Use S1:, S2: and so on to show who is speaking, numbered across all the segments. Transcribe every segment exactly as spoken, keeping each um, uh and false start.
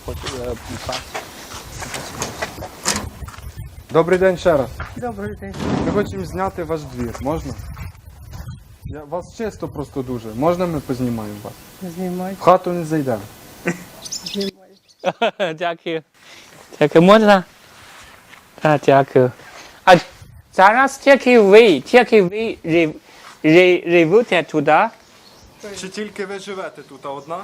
S1: хочу е, пас.
S2: Добрий день ще раз.
S3: Добрий день.
S2: Ми хочемо зняти ваш двір. Можна? Я, вас чисто просто дуже. Можна ми познімаємо вас?
S3: Знімай.
S2: В хату не зайдемо.
S3: Знімай.
S1: Дякую. Дякую. Можна? Так, дякую. А зараз тільки ви, тільки ви жив- жи- живете туди?
S2: Чи тільки ви живете тут, а одна?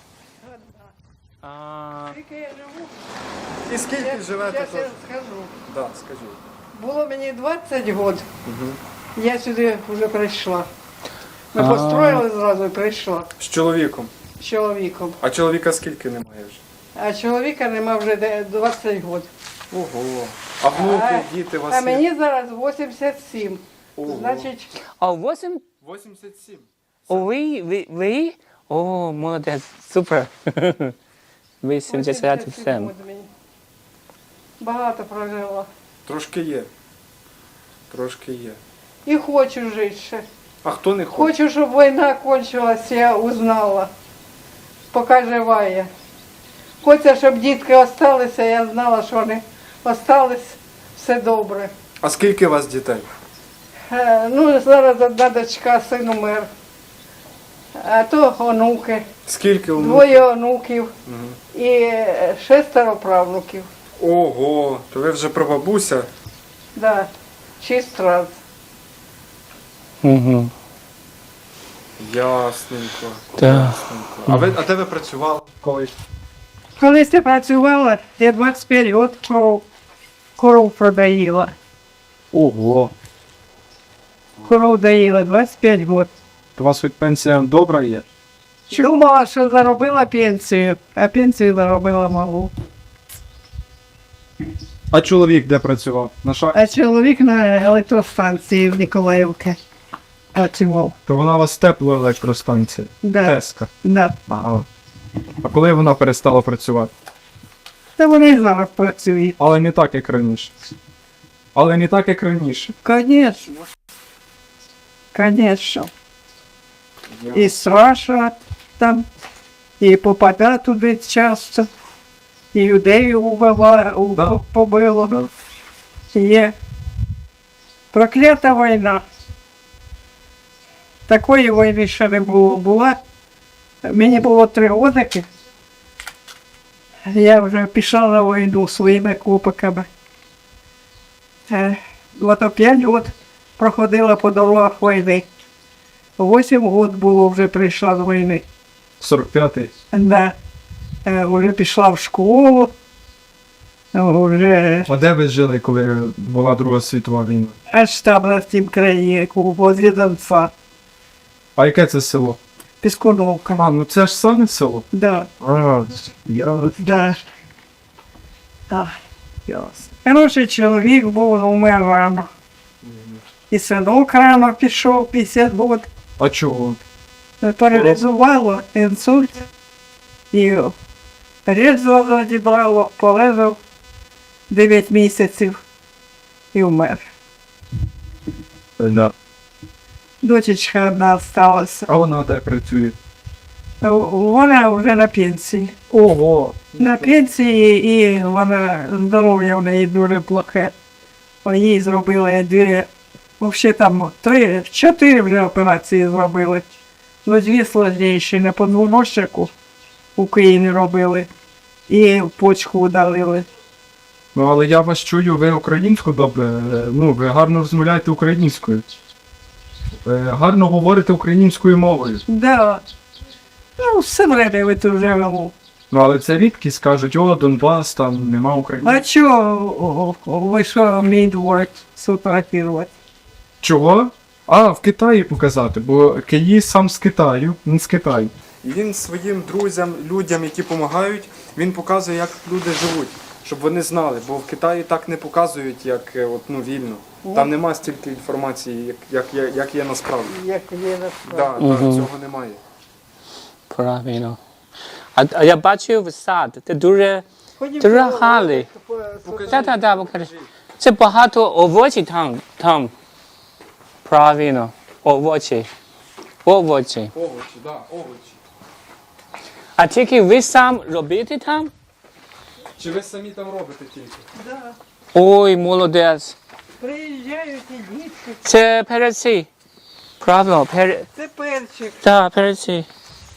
S1: А,
S3: Тільки я живу.
S2: І скільки живете
S3: Зараз
S2: тут?
S3: я скажу.
S2: Так, скажіть.
S3: Було мені двадцять років. Я сюди вже прийшла. Ми
S1: А.
S3: построїли зразу і прийшла
S2: З чоловіком.
S3: з чоловіком.
S2: А чоловіка скільки немає вже?
S3: А чоловіка нема вже де- двадцять років.
S2: Ого. А внуки, діти у вас
S3: А
S2: є?
S3: мені зараз вісімдесят сім.
S2: Ого.
S3: Значить,
S1: а вісім?
S2: вісімдесят сім.
S1: О, ви, ви, ви? О, молодець, супер. вісімдесят сім.
S3: років мені. Багато прожила.
S2: Трошки є. Трошки є.
S3: І хочу жити ще.
S2: А хто не хоче?
S3: Хочу, щоб війна кончилась, я узнала, поки жива я. Хочу, щоб дітки залишилися, я знала, що вони залишились, все добре.
S2: А скільки у вас дітей?
S3: Е, Ну, зараз одна дочка, син умер. А то онуки,
S2: Скільки у
S3: двоє онуків і е, шестеро правнуків.
S2: Ого, то ви вже прабабуся?
S3: Да, шість раз.
S1: Угу.
S2: Ясненько.
S1: Так.
S2: Ясненько. А ви, а де ви працювали колись?
S3: Колись я працювала, я двадцять п'ять років коров, коров продаїла.
S2: Ого.
S3: Коров доїла двадцять п'ять років.
S2: То у вас хоч пенсія добра є?
S3: Думала, що заробила пенсію, а пенсію заробила малу.
S2: А чоловік де працював? На ша...
S3: А чоловік на електростанції в Ніколаївці працював.
S2: То вона у вас тепла електростанція.
S3: Да,
S2: Теска.
S3: да.
S2: Ага. А коли вона перестала працювати?
S3: Та вони зараз працюють.
S2: Але не так, як раніше. Але не так, як раніше.
S3: Конечно. Конечно. І страшно там, і попадає туди часто, і людей убила, уб-
S2: Да.
S3: побило. Є проклята війна. Такої війни ще не було. Була. Мені було три роки. Я вже пішла на війну своїми купиками. Е, Ото п'ять років проходила по дорогах війни. Вісім років було вже прийшла з війни.
S2: сорок п'ятий.
S3: Да. Е, Вже пішла в школу. Е, Вже
S2: А де ви жили, коли була Друга світова війна?
S3: аж там на тім краї, возле Донця.
S2: А яке це село?
S3: Піскуновка.
S2: А, ну це ж саме село.
S3: Да,
S2: А, я...
S3: да. А, ясно. Хороший чоловік був, умер рано. І синок рано пішов, п'ятдесят років.
S2: А чого?
S3: Паралізувало, інсульт. І різало відібрало, полежав дев'ять місяців і вмер.
S2: Да.
S3: Дочечка одна залишилася.
S2: А вона де працює?
S3: Вона вже на пенсії.
S2: Ого.
S3: На пенсії, і вона здоров'я в неї дуже плохе. Їй зробили дві, взагалі там три, чотири вже операції зробили. Ну, дві складніші на подвоножнику у Києві робили і почку удалили.
S2: Ну, але я вас чую, ви українську добре, е, ну, ви гарно розмовляєте українською. Ви гарно говорите українською мовою.
S3: Да. Ну, все время ви тут живемо.
S2: Ну, але це рідкість, кажуть, о, Донбас, там нема України.
S3: А чого ви що мій двор сфотографувати?
S2: Чого? А, в Китаї показати, бо Київ сам з Китаю, він з Китаю. І він своїм друзям, людям, які допомагають, він показує, як люди живуть, щоб вони знали, бо в Китаї так не показують, як е, от, ну, вільно. Там нема стільки інформації, як, як, є, як є насправді.
S3: Як є на
S2: Да, да, цього немає.
S1: Правильно. А, а я бачив сад, це дуже, дуже гарний. Так, так, так, покажи. Це багато овочів там, там. Правильно, овочі. Овочі.
S2: Овочі, да, овочі.
S1: А тільки ви сам робите там?
S2: Чи ви самі там робите тільки?
S3: Да.
S1: Ой, молодець.
S3: Приїжджають і дітки.
S1: Це переці. Правильно, пере...
S3: Це перчик.
S1: Так, переці.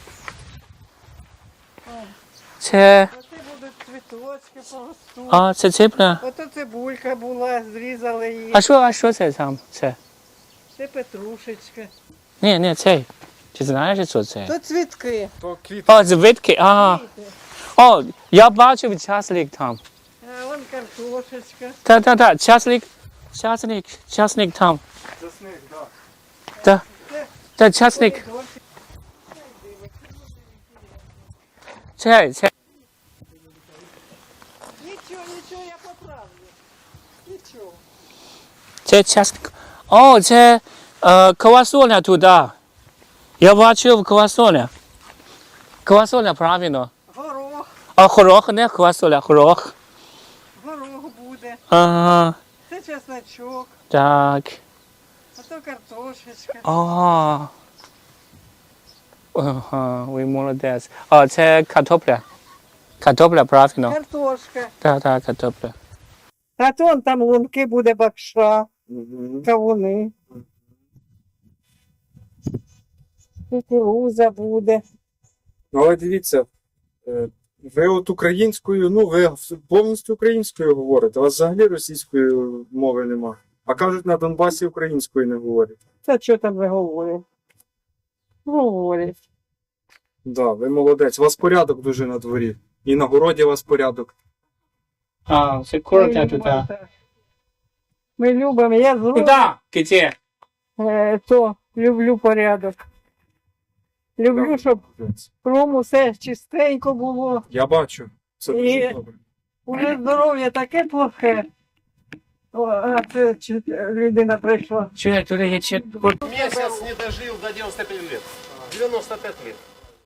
S1: Це...
S3: Оце будуть цвіточки поростуть.
S1: А, це цибуля.
S3: Ото цибулька була, зрізали її.
S1: А що, а що це там? Це?
S3: Це петрушечка.
S1: Ні, ні, це. Ти знаєш, що це?
S3: То цвітки.
S2: То квітки.
S1: О, звідки? А. О, я бачив часлик там.
S3: А вон картошечка.
S1: Та, та, та, часлик, часник, часник там.
S2: Засник, так.
S1: Та, та, часник.
S3: Помідорчик.
S1: Це, це.
S3: Нічого, нічого, я поправлю. Нічого.
S1: Це часник. О, це е, квасоля туди. Я бачив квасоля. Квасоля, правильно.
S3: Горох.
S1: А горох, не квасоля, горох.
S3: Горох буде.
S1: Ага,
S3: Це чесночок.
S1: так.
S3: А то картошечка.
S1: Ага. Ага, ви молодець. А, це картопля. Картопля, правильно.
S3: Картошка.
S1: Так, так, картопля.
S3: А то вон там лунки буде бакша. Кавуни. Кукуруза буде.
S2: Ну, але дивіться, е, ви от українською, ну ви повністю українською говорите, у вас взагалі російської мови нема. А кажуть, на Донбасі українською не говорять.
S3: Це що там ви говорите? Говорять.
S2: Да, ви молодець. У вас порядок дуже на дворі. І на городі у вас порядок.
S1: А, це
S3: Ми
S1: курка
S3: любимо
S1: туди.
S3: так. Ми любимо, я зроблю,
S1: Куди? Де?
S3: е, то люблю порядок. Люблю, щоб кругом усе чистенько було.
S2: Я бачу. Це дуже
S3: І-
S2: добре.
S3: Уже здоров'я таке плохе. О, а це чи- людина прийшла.
S1: Чує, туди є чи...
S4: Месяц не дожил до девяноста пяти лет. девяносто пять лет.